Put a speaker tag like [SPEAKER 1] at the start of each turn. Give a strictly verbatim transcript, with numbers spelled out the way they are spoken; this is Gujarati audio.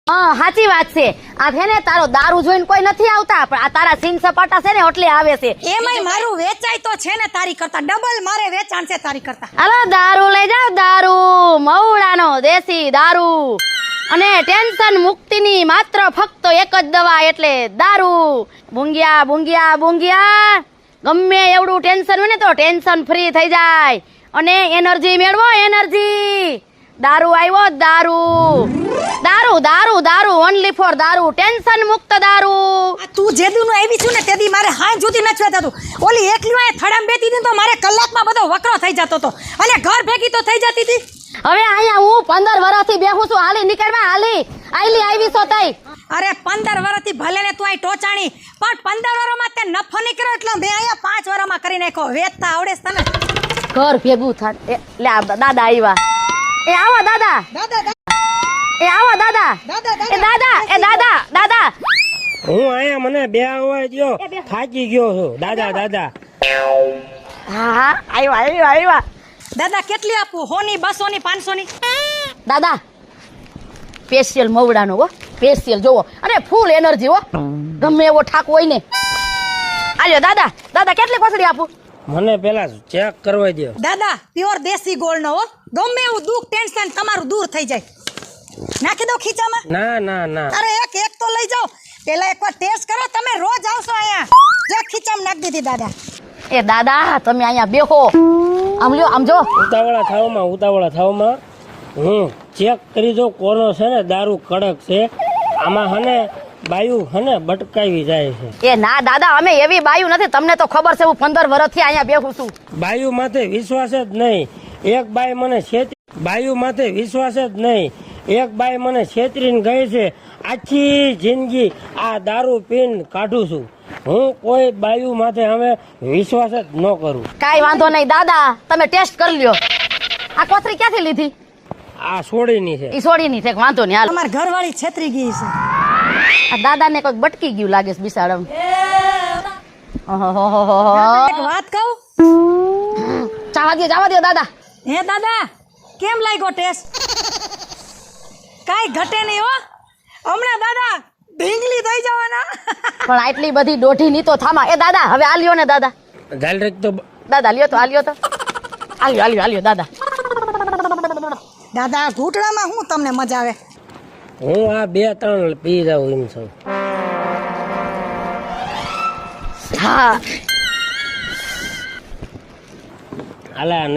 [SPEAKER 1] હા સાચી વાત છે. આ છે ને તારો દારૂ જોઈને કોઈ નથી આવતા, પણ આ તારા સિંગ સપાટા છે ને એટલે આવે છે.
[SPEAKER 2] એમાંય મારું વેચાય તો છે ને તારી કરતા ડબલ મારે વેચાણ છે તારી કરતા.
[SPEAKER 1] હાલો દારૂ લઈ જાવ, દારૂ મવડાનો દેશી દારૂ, અને ટેન્શન મુક્તિની માત્ર ફક્ત એક જ દવા એટલે દારૂ. બુંગિયા બુંગિયા બુંગિયા, ગમે એવડું ટેન્શન હોય ને તો ટેન્શન ફ્રી થઈ જાય અને એનર્જી મેળવો, એનર્જી. દારૂ આવ્યો, દારૂ દારૂ દારૂ દારૂ ઓનલી ફોર દારૂ, ટેન્શન મુક્ત દારૂ.
[SPEAKER 2] આ તું જે દી નું આવી છું ને તે દી મારે હાય જોતી નથી થતું. ઓલી એકલી વાય થડામ બેતી હતી તો મારે કલાકમાં બધો વકરો થઈ જતો હતો અને ઘર ભેગી તો થઈ જતી હતી.
[SPEAKER 1] હવે અહીંયા હું પંદર વર્ષથી બેહું છું, હાલી નીકળવા, હાલી આઈલી આવી છો તઈ.
[SPEAKER 2] અરે પંદર વર્ષથી ભલે ને તું આ ટોચાણી, પણ પંદર વર્ષમાં તે નફો નીકળ્યો એટલે મેં અહીંયા પાંચ વર્ષમાં કરી નાખ્યો. વેચતા આવડે છે તને?
[SPEAKER 1] ઘર ભેગું થાય એટલે આ દાદા આવ્યા. એ આવો દાદા,
[SPEAKER 2] દાદા
[SPEAKER 1] એ આવો દાદા, એ દાદા, એ દાદા, દાદા.
[SPEAKER 3] હું આયા મને બે આવવા દ્યો, થાકી ગયો છું. દાદા દાદા
[SPEAKER 1] હા હા આવ્યા આવ્યા આવ્યા.
[SPEAKER 2] દાદા કેટલી આપું? હોની, બસો ની, પાંચસો ની?
[SPEAKER 1] દાદા સ્પેશિયલ મવડાનો હો, સ્પેશિયલ જોવો, અને ફૂલ એનર્જી હો, ગમે એવો ઠાક હોય ને. આલ્યો દાદા, દાદા કેટલી કોથળી આપું?
[SPEAKER 3] મને પેલા ચેક કરવા દ્યો.
[SPEAKER 2] દાદા પ્યોર દેશી ગોળ નો હો, ગમે એવું દુઃખ ટેન્શન તમારું દૂર થઈ જાય. નાખી દો ખીચામાં?
[SPEAKER 3] ના ના ના,
[SPEAKER 2] અરે એક એક તો લઈ જાઓ. પેલા એકવાર ટેસ્ટ કરો, તમે રોજ આવશો અહીંયા. જે ખીચામાં નાખી દીધી દાદા.
[SPEAKER 1] એ દાદા તમે અહીંયા બેહો, આમ લ્યો, આમ જો.
[SPEAKER 3] ઉતાવળા થાવમાં ઉતાવળા થાવમાં હું ચેક કરી દઉં કોનો છે ને દારૂ કડક છે. આમાં હને બાયું હને બટકાવી જાય છે.
[SPEAKER 1] એ ના દાદા, અમે એવી બાયું નથી, તમને તો ખબર છે. હું પંદર વર્ષથી અહીંયા બેહું છું.
[SPEAKER 3] બાયું માથે વિશ્વાસ જ નહીં. એક બાઈ મને છેતરી, બાયું માથે વિશ્વાસ જ નહીં. એક બાઈ મને છેતરીને ગઈ છે. આખી જિંદગી આ દારૂ પીને કાઢું છું. હું કોઈ બાયું માથે હવે વિશ્વાસ જ ન કરું.
[SPEAKER 1] કાઈ વાંધો નહીં દાદા, તમે ટેસ્ટ કરી લ્યો. આ કોથળી ક્યાંથી લીધી?
[SPEAKER 3] આ સોડીની છે.
[SPEAKER 1] ઈ સોડીની છે, વાંધો નહીં હાલ.
[SPEAKER 2] અમાર ઘરવાળી છેતરી ગઈ છે.
[SPEAKER 1] આ દાદાને કોઈક બટકી ગયું લાગે છે બિસાડમ.
[SPEAKER 2] એક વાત કહું?
[SPEAKER 1] ચાવા દો, ચાવા દો દાદા.
[SPEAKER 2] હે દાદા કેમ લાગ્યો ટેસ્ટ? કાઈ ઘટે નહીં હો. હમણાં દાદા ઢીંગલી થઈ જવાના.
[SPEAKER 1] પણ આટલી બધી દોઢી ની તો થામા. એ દાદા હવે આ લ્યો ને દાદા,
[SPEAKER 3] ઝાલ રેક તો
[SPEAKER 1] દાદા લ્યો તો, આ લ્યો તો, આલ્યો આલ્યો આલ્યો દાદા.
[SPEAKER 2] દાદા ઘૂંટણામાં હું તમને મજા આવે?
[SPEAKER 3] હું આ બે ત્રણ પી જાઉં એમ છું.
[SPEAKER 1] હા
[SPEAKER 3] હાલા